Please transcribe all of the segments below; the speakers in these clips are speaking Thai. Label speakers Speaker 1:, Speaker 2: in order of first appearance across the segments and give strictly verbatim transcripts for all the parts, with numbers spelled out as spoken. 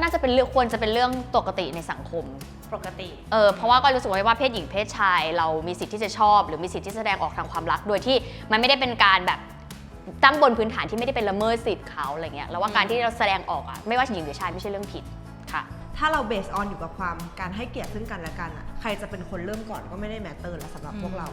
Speaker 1: น่าจะเป็นเรื่องควรจะเป็นเรื่องปกติในสังคม
Speaker 2: ปกติ
Speaker 1: เออเพราะว่าก็รู้สึกว่าเพศหญิงเพศชายเรามีสิทธิ์ที่จะชอบหรือมีสิทธิ์ที่แสดงออกทางความรักโดยที่มันไม่ได้เป็นการแบบตั้งบนพื้นฐานที่ไม่ได้เป็นละเมิดสิทธิ์เขาอะไรเงี้ยแล้วว่าการที่เราแสดงออกอะไม่ว่าหญิงหรือชายไม่ใช่เรื่องผิดค่ะ
Speaker 3: ถ้าเราเบสออนอยู่กับความการให้เกียรติซึ่งกันและกันอะใครจะเป็นคนเริ่มก่อนก็ไม่ได้แมตเตอร์แล้วสำหรับพวกเรา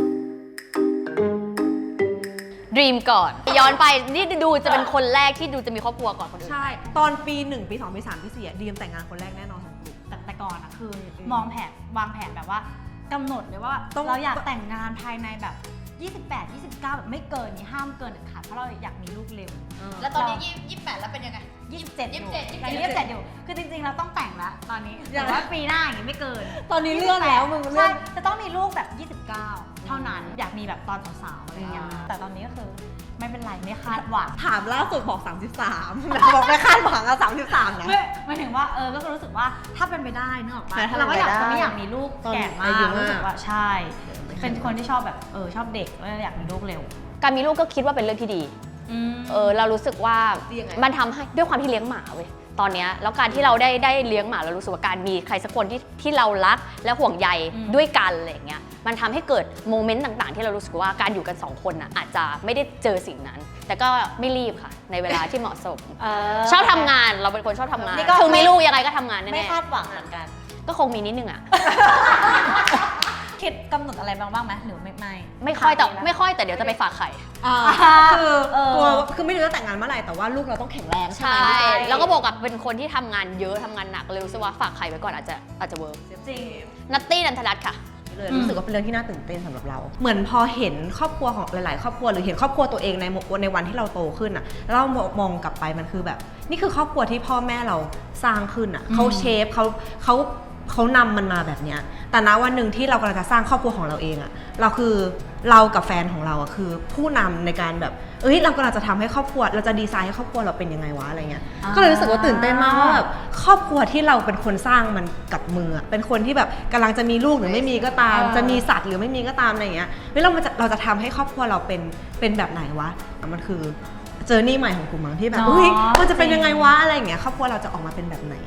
Speaker 1: ดรีมก่อนย้อนไปนี่ดูจะเป็นคนแรกที่ดูจะมีครอบครัวก่อนคนอื่น
Speaker 3: ใช่ตอนปีหนึ่งปีสองปีสามปีสี่ดีมแต่งงานคนแรกแน่นอนของกลุ่ม
Speaker 2: แต่แต่ก่อนอะคือมองแผนวางแผนแบบว่ากำหนดเลยว่าเราอยากแต่งงานภายในแบบยี่สิบแปด ยี่สิบเก้าแบบไม่เกินนี้ห้ามเกินเด็ดขาดเพราะเราอยากมีลูกเร็ว
Speaker 4: แล้วตอนนี้ยี่สิบแปดแล้วเป็นยังไง
Speaker 2: ยี่สิบเจ็ด
Speaker 4: ยี่สิบเจ็ด
Speaker 2: ยี่สิบเจ็ดอยู่คือจริงๆเราต้องแต่งแล้วตอนนี้แต่ว่าปีหน้าอย่างนี้ไม่เกิน
Speaker 3: ตอนนี้เรื่องแล้วมึง
Speaker 2: ใช่จะต้องมีลูกแบบยี่สิบเก้าเท่านั้นอยากมีแบบตอนสาวๆอะไรอย่างเงี้ยแต่ตอนนี้ก็คือไม่เป็นไรไม่คาดหวัง
Speaker 3: ถามล่าสุดบอกสามสิบสามบอกไม่คาดหวังอะสามสิบสามนะ
Speaker 2: หมายถึงว่าเออก็รู้สึกว่าถ้าเป็นไปได้นึกออกปะเราก็อยากจะไม่อยากมีลูกแก่มากรู้สึกว่าใช่เป็นคนที่ชอบแบบเออชอบเด็กแล้วอยากมีลูกเร็ว
Speaker 1: การมีลูกก็คิดว่าเป็นเรื่องที่ดีเออเรารู้สึกว่ามันทำให้ด้วยความที่เลี้ยงหมาเว้ยตอนนี้แล้วการที่เราได้ได้เลี้ยงหมาเรารู้สึกว่าการมีใครสักคนที่ที่เรารักและห่วงใยด้วยกันอะไรอย่างเงี้ยมันทำให้เกิดโมเมนต์ต่างๆที่เรารู้สึกว่าการอยู่กันสองคนน่ะอาจจะไม่ได้เจอสิ่งนั้น แต่ก็ไม่รีบค่ะในเวลาที่เหมาะสมชอบทำงานเราเป็นคนชอบทำงานถึงมีลูกยังไงก็ทำงานแน่ๆ
Speaker 2: ไม่คาดหวังเหมือนกัน
Speaker 1: ก็คงมีนิดนึงอ่ะ
Speaker 2: คิดกำหนดอะไรบ้างบ้างไหมหรือไม่ไม่
Speaker 1: ไม่ค่อยแต่ไม่ค่อยแต่เดี๋ยวจะไปฝากไข่
Speaker 3: คือตัวคือไม่รู้จะแต่งงานเมื่อไหร่แต่ว่าลูกเราต้องแข็งแรงใช่ไหม
Speaker 1: แล้วก็บอกกับเป็นคนที่ทำงานเยอะทำงานหนักเลยรู้สึกว่าฝากไข่ไว้ก่อนอาจจะอาจจะเวิร์ก
Speaker 2: จริง
Speaker 1: นัตตี้นันทรัตน์ค่ะ
Speaker 3: เลยรู้สึกว่าเป็นเรื่องที่น่าตื่นเต้นสำหรับเราเหมือนพอเห็นครอบครัวของหลายๆครอบครัวหรือเห็นครอบครัวตัวเองในในวันที่เราโตขึ้นอ่ะแล้วเรามองกลับไปมันคือแบบนี่คือครอบครัวที่พ่อแม่เราสร้างขึ้นอ่ะเขาเชฟเขาเขาเขานำมันมาแบบเนี้ยแต่ณวันหนึ่งที่เรากำลังจะสร้างครอบครัวของเราเองอะเราคือเรากับแฟนของเราอะคือผู้นำในการแบบเอ้ยเรากำลังจะทำให้ครอบครัวเราจะดีไซน์ให้ครอบครัวเราเป็นยังไงวะอะไรเงี้ยก็เลยรู้สึกว่าตื่นเต้นมากว่าแบบครอบครัวที่เราเป็นคนสร้างมันกับมือเป็นคนที่แบบกำลังจะมีลูกหรือไม่มีก็ตามจะมีสัตว์หรือไม่มีก็ตามอะไรเงี้ยเฮ้ยเราจะเราจะทำให้ครอบครัวเราเป็นเป็นแบบไหนวะมันคือเจอร์นี่ใหม่ของกูมั้งที่แบบเฮ้ยมันจะเป็นยังไงวะอะไรเงี้ยครอบครัวเราจะออกมาเป็นแบบไหน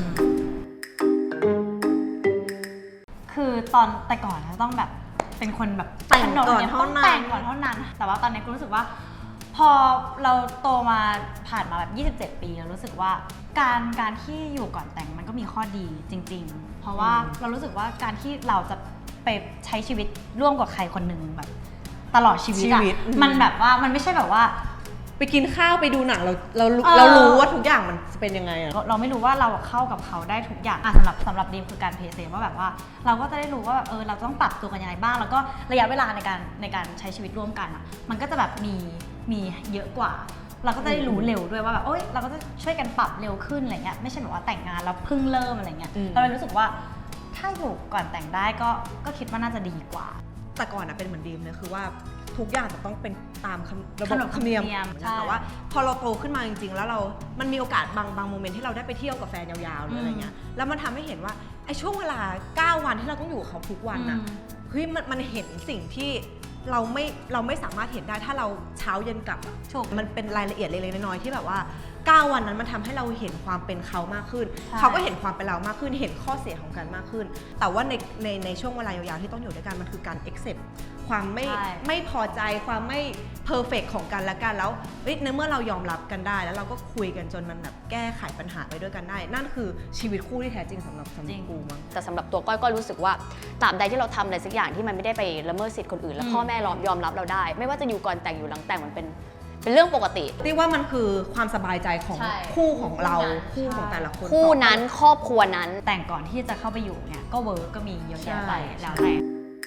Speaker 2: คือตอนแต่ก่อนเราต้องแบบเป็นคนแบบ
Speaker 3: แต่งก่อนเท่านั้น
Speaker 2: แต่งก่อนเท่านั้นแต่ว่าตอนนี้กูรู้สึกว่าพอเราโตมาผ่านมาแบบยี่สิบเจ็ดปีเรารู้สึกว่าการการที่อยู่ก่อนแต่งมันก็มีข้อดีจริงๆเพราะว่าเรารู้สึกว่าการที่เราจะไปใช้ชีวิตร่วมกับใครคนหนึ่งแบบตลอดชีวิตอะมันแบบว่ามันไม่ใช่แบบว่า
Speaker 3: ไปกินข้าวไปดูหนังเราเราเรารู้ว่าทุกอย่างมันเป็นยังไงอะ
Speaker 2: เราไม่รู้ว่าเราเข้ากับเขาได้ทุกอย่างสำหรับสำหรับดีมคือการเพย์เซฟว่าแบบว่าเราก็จะได้รู้ว่าเออเราต้องปรับตัวกันยังไงบ้างแล้วก็ระยะเวลาในการในการใช้ชีวิตร่วมกันอะมันก็จะแบบมีมีเยอะกว่าเราก็จะได้รู้เร็วด้วยว่าแบบเอ้ยเราก็จะช่วยกันปรับเร็วขึ้นอะไรเงี้ยไม่ใช่แบบว่าแต่งงานแล้วเพิ่งเริ่มอะไรเงี้ยเราเลยรู้สึกว่าถ้าอยู่ก่อนแต่งได้ก็ก็คิดว่าน่าจะดีกว่า
Speaker 3: แต่ก่อนอะเป็นเหมือนดีมเลยคือว่าทุกอย่างจะต้องเป็นตามระบบธรรมเนียมแต่ว่าพอเราโตขึ้นมาจริงๆแล้วเรามันมีโอกาสบางบางโมเมนต์ที่เราได้ไปเที่ยวกับแฟนยาวๆหรืออะไรเงี้ยแล้วมันทำให้เห็นว่าไอ้ช่วงเวลาเก้าวันที่เราต้องอยู่กับเขาทุกวันอะเฮ้ยมันมันเห็นสิ่งที่เราไม่เราไม่สามารถเห็นได้ถ้าเราเช้าเย็นกลับอะมันเป็นรายละเอียดเล็กๆน้อยๆที่แบบว่าเก้าวันนั้นมันทำให้เราเห็นความเป็นเขามากขึ้นเขาก็เห็นความเป็นเรามากขึ้นเห็นข้อเสียของกันมากขึ้นแต่ว่าในในในช่วงเวลายาวๆที่ต้องอยู่ด้วยกันมันคือการ accept ความไม่ไม่พอใจความไม่เพอร์เฟกต์ของกันและกันแล้วในเมื่อเรายอมรับกันได้แล้วเราก็คุยกันจนมันแบบแก้ไขปัญหาไปด้วยกันได้นั่นคือชีวิตคู่ที่แท้จริงสำหรับสำหรับกูมั้ง
Speaker 1: แต่สำหรับตัวก้อยก็รู้สึกว่าตราบใดที่เราทำอะไรสักอย่างที่มันไม่ได้ไปละเมิดสิทธิ์คนอื่นแล้วพ่อแม่ยอมรับเราได้ไม่ว่าจะอยู่ก่อนแต่งอยู่หลังแต่งมันเป็นเป็นเรื่องปกติ
Speaker 3: ที่ว่ามันคือความสบายใจของคู่ของเราคู่ของแต่ละคน
Speaker 1: คู่นั้นครอบครัวนั้น
Speaker 2: แต่งก่อนที่จะเข้าไปอยู่เนี่ยก็เวิร์กก็มีเยอะแยะไปแล้วแต่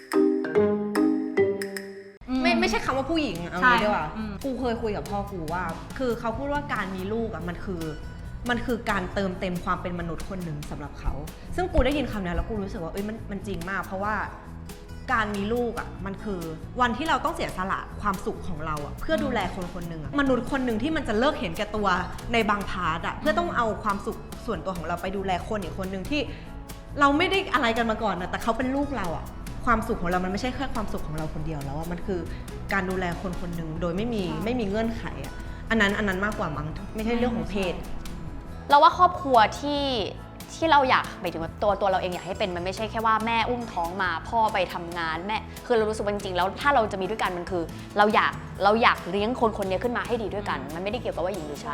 Speaker 3: ไม่ไม่ใช่คำว่าผู้หญิงเอางี้ดีกว่ากูเคยคุยกับพ่อกูว่าคือเขาพูดว่าการมีลูกอ่ะมันคือมันคือการเติมเต็มความเป็นมนุษย์คนหนึ่งสำหรับเขาซึ่งกูได้ยินคำนี้แล้วกูรู้สึกว่าเอ้ยมันมันจริงมากเพราะว่าการมีลูกอ่ะมันคือวันที่เราต้องเสียสละความสุขของเราอ่ะเพื่อดูแลคนคนหนึ่งอ่ะมนุษย์คนหนึ่งที่มันจะเลิกเห็นแก่ตัวในบางพาร์ทอ่ะเพื่อต้องเอาความสุขส่วนตัวของเราไปดูแลคนอีกคนหนึ่งที่เราไม่ได้อะไรกันมาก่อนนะแต่เขาเป็นลูกเราอ่ะความสุขของเรามันไม่ใช่แค่ความสุขของเราคนเดียวแล้วอ่ะมันคือการดูแลคนคนหนึ่งโดยไม่มีไม่มีเงื่อนไขอ่ะอันนั้นอันนั้นมากกว่ามั้งไม่ใช่เรื่องของเพศ
Speaker 1: เราว่าครอบครัวที่ที่เราอยากหมายถึงว่าตัวตัวเราเองอยากให้เป็นมันไม่ใช่แค่ว่าแม่อุ้มท้องมาพ่อไปทำงานแม่คือเรารู้สึกว่าจริงๆแล้วถ้าเราจะมีด้วยกันมันคือ เราอยากเราอยากเลี้ยงคนคนนี้ขึ้นมาให้ดีด้วยกัน มันไม่ได้เกี่ยวกับว่าหญิงหรือชาย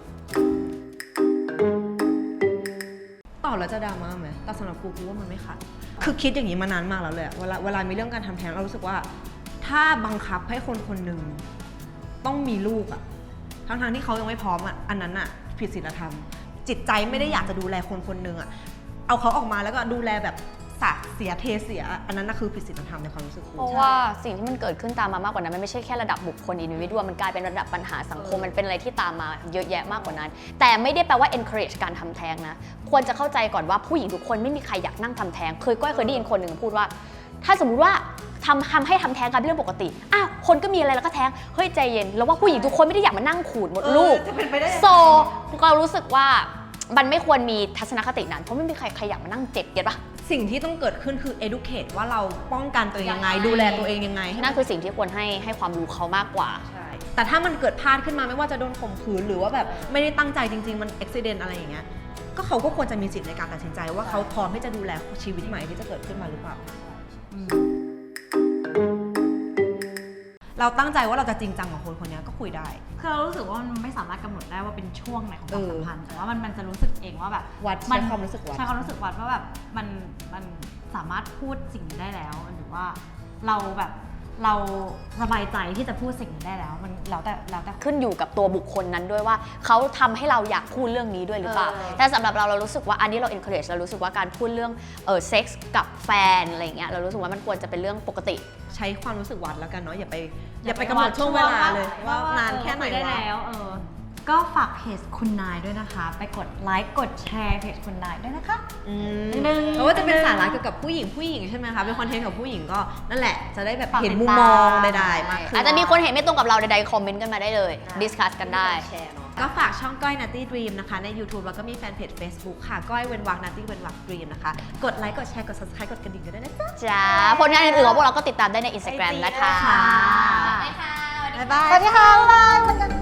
Speaker 3: ต่อแล้วจะดราม่าไหมแต่สำหรับกูกูว่ามันไม่ขัดคือคิดอย่างนี้มานานมากแล้วเลยอะเวลาเวลามีเรื่องการทำแท้งเรารู้สึกว่า ถ้าบังคับให้คนคนหนึ่งต้องมีลูกอะทั้งๆที่เขายังไม่พร้อมอะอันนั้นอะผิดศีลธรรม จิตใจไม่ได้อยากจะดูแลคนคนหนึ่งอะเอาเขาออกมาแล้วก็ดูแลแบบสะเสียเทเสีย อันนั้นนะคือผิดศีลธรรมในความรู้สึกกู
Speaker 1: เพราะว่าสิ่งที่มันเกิดขึ้นตามมามากกว่านั้นมันไม่ใช่แค่ระดับบุคคลอินดิวิดวมันกลายเป็นระดับปัญหาสังคมมันเป็นอะไรที่ตามมาเยอะแยะมากกว่านั้น แต่ไม่ได้แปลว่า encourage การทำแท้งนะควรจะเข้าใจก่อนว่าผู้หญิงทุกคนไม่มีใครอยากนั่งทำแท้งเคยก้อยเคยได้ยินคนหนึ่งพูดว่า ถ้าสมมุติว่าทำทำให้ทำแท้งกันเป็นเรื่องปกติอ้าวคนก็มีอะไรแล้วก็แท้งเฮ้ยใจเย็นแล้วว่าผู้หญิงทุกคนไม่ได้อยากมานั่งขูดมดลูก
Speaker 3: จะเป็นไปได้
Speaker 1: โซเรารู้สึกว่ามันไม่ควรมีทัศนคตินั้นเพราะไม่มีใครใครอยากมานั่งเจ็บเก็ตปะ
Speaker 3: สิ่งที่ต้องเกิดขึ้นคือ educate ว่าเราป้องกันตัวเองยังไง ดูแลตัวเองยังไง
Speaker 1: นั่นคือสิ่งที่ควรให้ให้ความรู้เขามากกว่า
Speaker 3: แต่ถ้ามันเกิดพลาดขึ้นมาไม่ว่าจะโดนข่มขืนหรือว่าแบบไม่ได้ตั้งใจจริงๆ มันอุบิเหตุอะไรอย่างเงี้ย ก็เขาก็ควรจะมีสิทธิ์ในการตัดสินใจว่าเขาพร้อมที่จะดูแลชีวิตใหม่ที่จะเกิดขึ้นมาหรือเปล่า เราตั้งใจว่าเราจะจริงจังกับคนคนนี้ก็คุยได้
Speaker 2: คือเรารู้สึกว่ามันไม่สามารถกำหนดได้ว่าเป็นช่วงไหนของความ
Speaker 3: เออ
Speaker 2: สัมพันธ์แต่ว่ามันมันจะรู้สึกเองว่าแบบ
Speaker 3: วัดใช้ความรู้สึกวัด
Speaker 2: ใช้ความรู้สึกวัดว่าแบบมันมันสามารถพูดสิ่งนี้ได้แล้วหรือว่าเราแบบเราสบายใจที่จะพูดสิ่งนี้ได้แล้วมันแล้วแต่แล้วแต่
Speaker 1: ขึ้นอยู่กับตัวบุคคลนั้นด้วยว่าเขาทำให้เราอยากพูดเรื่องนี้ด้วยหรือเปล่า
Speaker 2: เออ
Speaker 1: แต่สำหรับเราเรารู้สึกว่าอันนี้เรา encourage เรารู้สึกว่าการพูดเรื่องเออเซ็กส์กับแฟนอะไรเงี้ยเรารู้สึกว่ามันควรจะเป็นเรื่องปกติ
Speaker 3: ใช้ความรู้สึกวัดแล้วกันเนาะอย่าไปอย่าไปกำหนดช่วงเวลาเลยว่านานแค่ไหน
Speaker 2: ได้
Speaker 3: วะ
Speaker 2: แล้วเออก็ฝากเพจคุณนายด้วยนะคะ ไปกดไลค์กดแชร์เพจคุณนายด้วยนะคะ
Speaker 3: อืม
Speaker 2: หนึ่ง
Speaker 3: เพราะว่าจะเป็นสาระเกี่ยวกับผู้หญิงผู้หญิงใช่ไหมคะ เป็นคอนเทนต์กับผู้หญิงก็นั่นแหละ จะได้แบบ
Speaker 2: ฝาก
Speaker 3: เห็น
Speaker 2: ติด
Speaker 3: มุม
Speaker 2: ตาม
Speaker 3: มองใดๆมากขึ้น
Speaker 1: อาจจะมีคนเห็นไม่ตรงกับเราใดๆคอมเมนต์กันมาได้เลย ดิสคัสกันได้
Speaker 3: ก็ฝากช่องก้อย Nutty Dream นะคะใน YouTube แล้วก็มีแฟนเพจ Facebook ค่ะ ก้อยเว้นวรรค Nutty เว้นวรรค Dream นะคะ กดไลค์กดแชร์กด Subscribe กดกระดิ่งกันด้วยนะจ๊ะ
Speaker 1: จ้าผลงานอื่นๆของพวกเราก็ติดตามได้ใน Instagram นะคะ
Speaker 3: ค่ะ
Speaker 4: ไปค่ะ
Speaker 3: บ๊ายบาย
Speaker 2: สวัสดีค่ะ